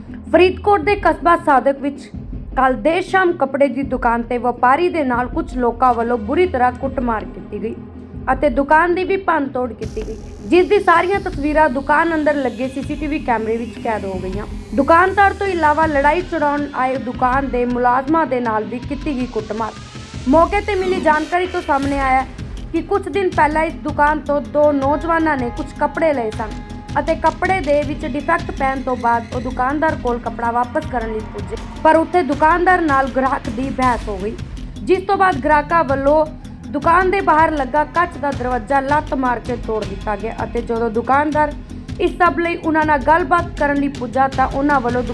ਫਰੀਦਕੋਟ ਦੇ ਕਸਬਾ ਸਾਦਕ ਵਿੱਚ ਕੱਲ ਦੇਰ ਸ਼ਾਮ ਕੱਪੜੇ ਦੀ ਦੁਕਾਨ ਤੇ ਵਪਾਰੀ ਦੇ ਨਾਲ ਕੁਝ ਲੋਕਾਂ ਵੱਲੋਂ ਬੁਰੀ ਤਰ੍ਹਾਂ ਕੁੱਟਮਾਰ ਕੀਤੀ ਗਈ ਅਤੇ ਦੁਕਾਨ ਦੀ ਵੀ ਭੰਨਤੋੜ ਕੀਤੀ ਗਈ, ਜਿਸ ਦੀ ਸਾਰੀਆਂ ਤਸਵੀਰਾਂ ਦੁਕਾਨ ਅੰਦਰ ਲੱਗੇ ਸੀਸੀਟੀਵੀ ਕੈਮਰੇ ਵਿੱਚ ਕੈਦ ਹੋ ਗਈਆਂ। ਦੁਕਾਨਦਾਰ ਤੋਂ ਇਲਾਵਾ ਲੜਾਈ ਛਡਾਉਣ ਆਏ ਦੁਕਾਨ ਦੇ ਮੁਲਾਜ਼ਮਾਂ ਦੇ ਨਾਲ ਵੀ ਕੀਤੀ ਗਈ ਕੁੱਟਮਾਰ। ਮੌਕੇ ਤੇ ਮਿਲੀ ਜਾਣਕਾਰੀ ਤੋਂ ਸਾਹਮਣੇ ਆਇਆ ਕਿ ਕੁਝ ਦਿਨ ਪਹਿਲਾਂ ਇਸ ਦੁਕਾਨ ਤੋਂ ਦੋ ਨੌਜਵਾਨਾਂ ਨੇ ਕੁਝ ਕੱਪੜੇ ਲਏ ਸਨ ਅਤੇ ਕੱਪੜੇ ਦੇ ਵਿੱਚ ਡਿਫੈਕਟ ਪੈਣ ਤੋਂ ਬਾਅਦ ਉਹ ਦੁਕਾਨਦਾਰ ਕੋਲ ਕੱਪੜਾ ਵਾਪਸ ਕਰਨ ਲਈ ਪੁੱਜੇ, ਪਰ ਉੱਥੇ ਦੁਕਾਨਦਾਰ ਨਾਲ ਗ੍ਰਾਹਕ ਦੀ ਬਹਿਸ ਹੋ ਗਈ, ਜਿਸ ਤੋਂ ਬਾਅਦ ਗ੍ਰਾਹਕਾਂ ਵੱਲੋਂ ਦੁਕਾਨ ਦੇ ਬਾਹਰ ਲੱਗਾ ਕੱਚ ਦਾ ਦਰਵਾਜ਼ਾ ਲੱਤ ਮਾਰ ਕੇ ਤੋੜ ਦਿੱਤਾ ਗਿਆ ਅਤੇ ਜਦੋਂ ਦੁਕਾਨਦਾਰ ਇਸ ਸਭ ਲਈ ਉਹਨਾਂ ਨਾਲ ਗੱਲਬਾਤ ਕਰਨ ਲਈ ਪੁੱਜਾ ਤਾਂ ਉਹਨਾਂ ਵੱਲੋਂ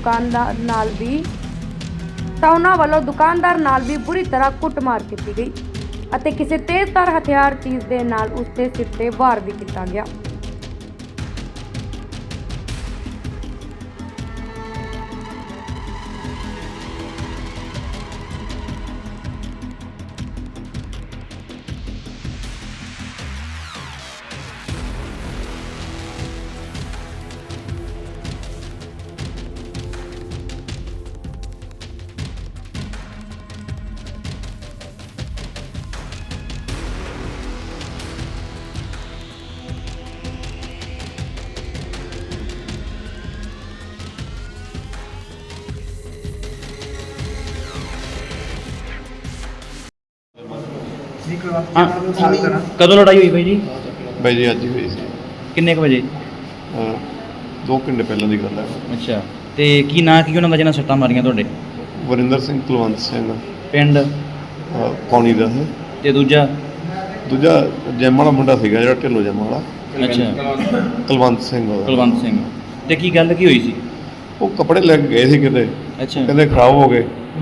ਦੁਕਾਨਦਾਰ ਨਾਲ ਵੀ ਬੁਰੀ ਤਰ੍ਹਾਂ ਕੁੱਟਮਾਰ ਕੀਤੀ ਗਈ ਅਤੇ ਕਿਸੇ ਤੇਜ਼ਧਾਰ ਹਥਿਆਰ ਚੀਜ਼ ਦੇ ਨਾਲ ਉਸ ਦੇ ਸਿਰ ਤੇ ਵਾਰ ਵੀ ਕੀਤਾ ਗਿਆ। कदों लड़ाई हुई भाई जी? भाई जी अज ही हुई सी। किन्ने क बजे? 2 घंटे पहले की गल है। अच्छा ते की ना की उन्होंने जिन्हें सट्टां मारियां तुहाडे? वरिंदर सिंह कुलवंत सिंह पिंड पौनी दा है ते दूजा जैम वाला मुंडा सीगा जिहड़ा ढिल्लो जैम वाला। अच्छा कुलवंत सिंह ते की गल की हुई सी? वो कपड़े लैके गए सी किते। अच्छा कहंदे खराब हो गए।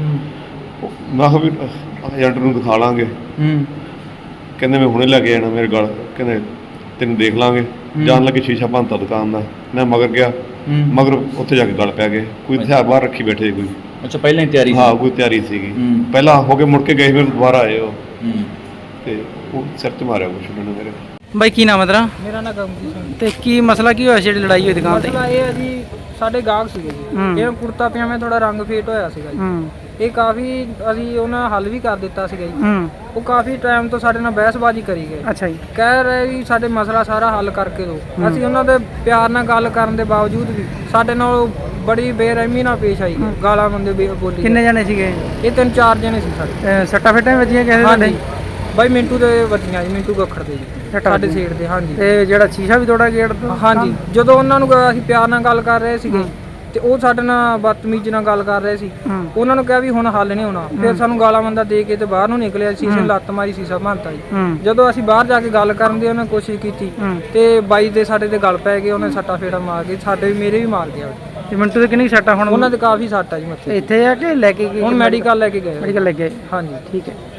मैं कहा भी एजेंट नूं दिखा लांगे। कहंदे मैं हुणे लैके जाना मेरे गल। कहंदे तैनूं देख लांगे। जान लगे शीशा भंनता दुकान दा। मैं मगर गया मगर उत्थे जाके गल पै गए। कोई हथियार बाहर रखी बैठे कोई। अच्छा पहले ही तैयारी? हाँ कोई तैयारी सीगी। पहला हो के मुड़ के गए फिर दोबारा आए वो ते वो सिर च मारिया कुछ उन्होंने मेरे। ਬਾਈ ਕੀ ਨਾਮ ਹੈ ਤੇਰਾ? ਮੇਰਾ ਨਾਮ ਗਮਜੀਤ ਸਿੰਘ। ਤੇ ਕੀ ਮਸਲਾ ਕੀ ਹੋਇਆ ਜਿਹੜੀ ਲੜਾਈ ਹੋਈ ਦੁਕਾਨ ਤੇ? ਮਸਲਾ ਇਹ ਹੈ ਜੀ, ਸਾਡੇ ਗਾਹਕ ਸੀਗੇ ਜੀ, ਇਹ ਕੁੜਤਾ ਪਜਾਮੇ ਥੋੜਾ ਰੰਗ ਫੇਟ ਹੋਇਆ ਸੀਗਾ ਜੀ। ਇਹ ਕਾਫੀ ਅਸੀਂ ਉਹਨਾਂ ਹੱਲ ਵੀ ਕਰ ਦਿੱਤਾ ਸੀਗਾ ਜੀ। ਉਹ ਕਾਫੀ ਟਾਈਮ ਤੋਂ ਸਾਡੇ ਨਾਲ ਬਹਿਸਬਾਜ਼ੀ ਕਰੀ ਗਏ। ਅੱਛਾ ਜੀ। ਕਹਿ ਰਹੇ ਵੀ ਸਾਡੇ ਮਸਲਾ ਸਾਰਾ ਹੱਲ ਕਰਕੇ ਦਿਓ। ਅਸੀਂ ਉਹਨਾਂ ਦੇ ਪਿਆਰ ਨਾਲ ਗੱਲ ਕਰਨ ਦੇ ਬਾਵਜੂਦ ਵੀ ਸਾਡੇ ਨਾਲ ਬੜੀ ਬੇਰਹਿਮੀ ਨਾਲ ਪੇਸ਼ ਆਈ, ਗਾਲਾਂ ਬੰਦੇ ਬੋਲੀ। ਕਿੰਨੇ ਜਣੇ ਸੀਗੇ? ਇਹ 3-4 ਜਣੇ ਸੀ ਸਾਡੇ। ਸੱਟਾਂ ਫੇਟਾਂ ਵੱਜੀਆਂ ਕਿਸੇ ਦੇ? ਬਾਈ ਮਿੰਟੂ ਦੇ ਵੱਜੀਆਂ ਜੀ, ਮਿੰਟੂ ਗੱਖੜ ਦੇ ਜੀ, ਸਾਡੇ ਸੀਟ ਦੇ। ਹਾਂਜੀ। ਤੇ ਜਿਹੜਾ ਸ਼ੀਸ਼ਾ ਵੀ ਤੋੜਾ ਗੇਟ ਤੋਂ? ਹਾਂਜੀ। ਜਦੋਂ ਉਹਨਾਂ ਨੂੰ ਅਸੀਂ ਪਿਆਰ ਨਾਲ ਗੱਲ ਕਰ ਰਹੇ ਸੀਗੇ ਤੇ ਉਹ ਸਾਡੇ ਨਾਲ ਬਦਤਮੀਜ਼ੀ ਨਾਲ ਗੱਲ ਕਰ ਰਹੇ ਸੀ। ਉਹਨਾਂ ਨੂੰ ਕਿਹਾ ਵੀ ਹੁਣ ਹੱਲ ਨਹੀਂ ਹੋਣਾ। ਫਿਰ ਸਾਨੂੰ ਗਾਲਾਂ ਮੰਦਾ ਦੇ ਕੇ ਤੇ ਬਾਹਰ ਨੂੰ ਨਿਕਲਿਆ। ਸ਼ੀਸ਼ੇ ਲੱਤ ਮਾਰੀ, ਸ਼ੀਸ਼ਾ ਭੰਨਤਾ ਜੀ। ਜਦੋਂ ਅਸੀਂ ਬਾਹਰ ਜਾ ਕੇ ਗੱਲ ਕਰਨ ਦੀ ਉਹਨਾਂ ਕੋਸ਼ਿਸ਼ ਕੀਤੀ ਤੇ ਬਾਈ ਦੇ ਸਾਡੇ ਤੇ ਗੱਲ ਪੈ ਗਏ। ਉਹਨੇ ਸੱਟਾ ਫੇੜਾ ਮਾਰ ਕੇ ਸਾਡੇ ਵੀ ਮੇਰੇ ਵੀ ਮਾਰ ਗਿਆ। ਤੇ ਮਿੰਟੂ ਦੇ ਕਿੰਨੀ ਸੱਟਾਂ ਹੁਣ? ਉਹਨਾਂ ਦੇ ਕਾਫੀ ਸੱਟ ਆ ਜੀ ਮੱਥੇ। ਇੱਥੇ ਆ ਕੇ ਲੈ ਕੇ ਗਏ? ਹੁਣ ਮੈਡੀਕਲ ਲੈ ਕੇ ਗਏ। ਮੈਡੀਕਲ ਲੈ ਕੇ? ਹਾਂਜੀ। ਠੀਕ ਹੈ।